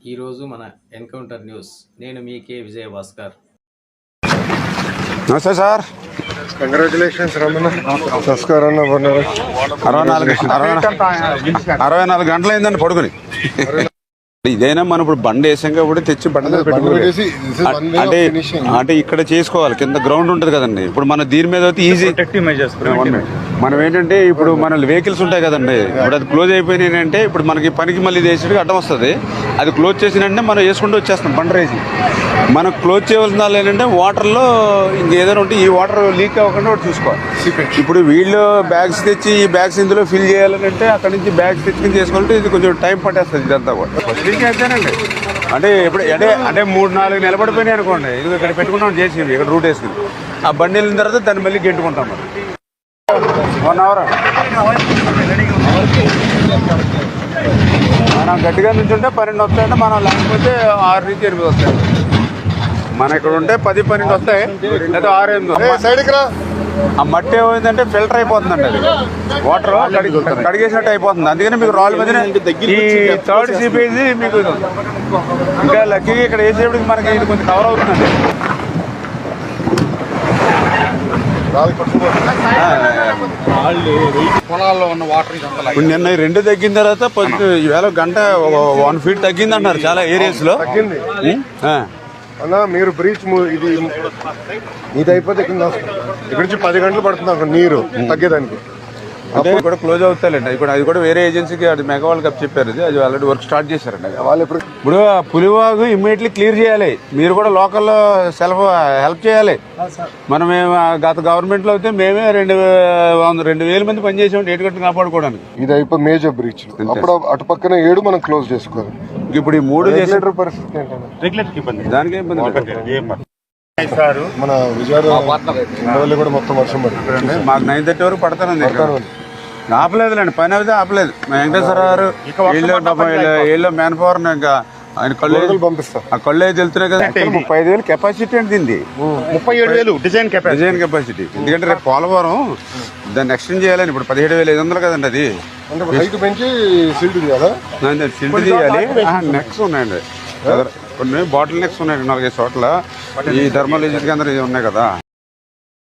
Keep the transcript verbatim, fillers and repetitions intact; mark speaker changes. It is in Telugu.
Speaker 1: ఈరోజు మన ఎన్కౌంటర్ న్యూస్. నేను మీ కే విజయ భాస్కర్.
Speaker 2: నమస్తే సార్.
Speaker 3: కంగ్రాచులేషన్స్ రమణ. నమస్కారం.
Speaker 2: అరవై నాలుగు అరవై నాలుగు గంటలు అయిందండి పడుకుని. ఇదైనా మనం ఇప్పుడు బండి వేసాం కాబట్టి తెచ్చి బండి అంటే అంటే ఇక్కడ చేసుకోవాలి. కింద గ్రౌండ్ ఉంటుంది కదండి. ఇప్పుడు మన దీని మీద అయితే ఈజీ మనం ఏంటంటే ఇప్పుడు మన వెహికల్స్ ఉంటాయి కదండి. ఇప్పుడు అది క్లోజ్ అయిపోయినాయి అంటే ఇప్పుడు మనకి పనికి మళ్ళీ వేసేటికి అడ్డం వస్తుంది. అది క్లోజ్ చేసినంటే మనం వేసుకుంటూ వచ్చేస్తాం బండి రేసి. మనం క్లోజ్ చేయవలసిన వాళ్ళు ఏంటంటే వాటర్లో ఇంకేదైనా ఉంటే ఈ వాటర్ లీక్ అవ్వకుండా ఒకటి చూసుకోవాలి. ఇప్పుడు వీళ్ళు బ్యాగ్స్ తెచ్చి ఈ బ్యాగ్స్ ఇందులో ఫిల్ చేయాలని అంటే అక్కడ నుంచి బ్యాగ్స్ తెచ్చుకుని చేసుకోవాలంటే ఇది కొంచెం టైం పట్టేస్తుంది ఇదంతా కూడా. అయితేనండి అంటే ఇప్పుడు అంటే అంటే మూడు నాలుగు నిలబడిపోయినాయి అనుకోండి. ఇది ఇక్కడ పెట్టుకుంటాం చేసి ఇక్కడ రూట్ వేసుకుని ఆ బండి వెళ్ళిన తర్వాత దాన్ని మళ్ళీ గెంటుకుంటాం. మనం వన్ అవర్ మనం గట్టిగా నుంచి ఉంటే పన్నెండు వస్తాయంటే మనం లేకపోతే ఆరు నుంచి ఎనిమిది వస్తాయి. మన ఇక్కడ ఉంటే పది పన్నెండు వస్తాయి లేదా ఆరు ఎనిమిది. ఆ మట్టి ఏమైందంటే ఫిల్టర్ అయిపోతుందండి. అది వాటర్ కడిగేసినట్టు అయిపోతుంది. అందుకని మీకు రాళ్ళ మధ్యన ఈ థర్డ్ సిపేజ్ మీకు ఇంకా లక్కీగా ఇక్కడ వేసేప్పటికి మనకి ఇది కొంచెం కవర్ అవుతుందండి.
Speaker 3: పొలాల్లో ఉన్న వాటర్
Speaker 2: ఇప్పుడు నిన్న రెండు తగ్గిన తర్వాత కొంచెం ఈవేళ గంట వన్ ఫీట్ తగ్గింది అంటారు చాలా ఏరియాస్ లో.
Speaker 3: తగ్గింది అన్నా. మీరు బ్రీచ్ ఇది ఇది అయిపోతే కింద ఇక్కడ నుంచి పది గంటలు పడుతుంది అక్కడ నీరు తగ్గేదానికి.
Speaker 2: అదే కూడా క్లోజ్ అవుతాయండి. ఇప్పుడు అది కూడా వేరే ఏజెన్సీకి అది మెగా వరల్డ్ కప్ చెప్పారు. అది ఆల్రెడీ వర్క్ స్టార్ట్ చేశారండి. వాళ్ళు ఇప్పుడు ఇప్పుడు పులివాగు ఇమ్మీడియట్లీ క్లియర్ చేయాలి. మీరు కూడా లోకల్లో సెల్ఫ్ హెల్ప్ చేయాలి. మనం గత గవర్నమెంట్లో అయితే మేమే రెండు రెండు వేల మంది పనిచేసాం ఏటుగట్టు కాపాడుకోవడానికి.
Speaker 3: ఇది అయిపోయి మేజర్ బ్రీచ్. అప్పుడు అటు పక్కన ఏడు మనం క్లోజ్ చేసుకోవాలి.
Speaker 2: ఇప్పుడు ఈ మూడు చేసే
Speaker 3: పరిస్థితి ఏంటంటే
Speaker 2: దానికి ఇబ్బంది.
Speaker 3: మన విజయవాడ కూడా మొత్తం వర్షం పడుతుంది.
Speaker 2: మాకు నైన్ థర్టీ వరకు పడతానండి. ఆపలేదులేండి, పని అయితే ఆపలేదు. వెంకటేశ్వర గారు వీళ్ళు మ్యాన్ పవర్ ఇంకా ఆయన కళ్ళు
Speaker 3: పంపిస్తారు.
Speaker 2: ఆ కళ్ళు అయితే వెళ్తున్నాయి కదా. ముప్పై ఐదు వేలు కెపాసిటీ అంటే దీన్ని
Speaker 3: ముప్పై ఏడు వేలు డిజైన్
Speaker 2: డిజైన్ కెపాసిటీ. ఎందుకంటే రేపు పోలవరం దాన్ని ఎక్స్టెండ్ చేయాలని. ఇప్పుడు పదిహేడు వేల ఐదు వందలు కదండి అది.
Speaker 3: హైట్ పెంచి సిల్ట్ తీయాలా?
Speaker 2: సిల్ట్ తీయాలి. నెక్స్ ఉన్నాయండి కొన్ని బాటిల్ నెక్స్ ఉన్నాయి నాలుగైదు చోట్ల. ఈ థర్మల్ ఏజెన్సీ కేంద్రం ఉన్నాయి కదా.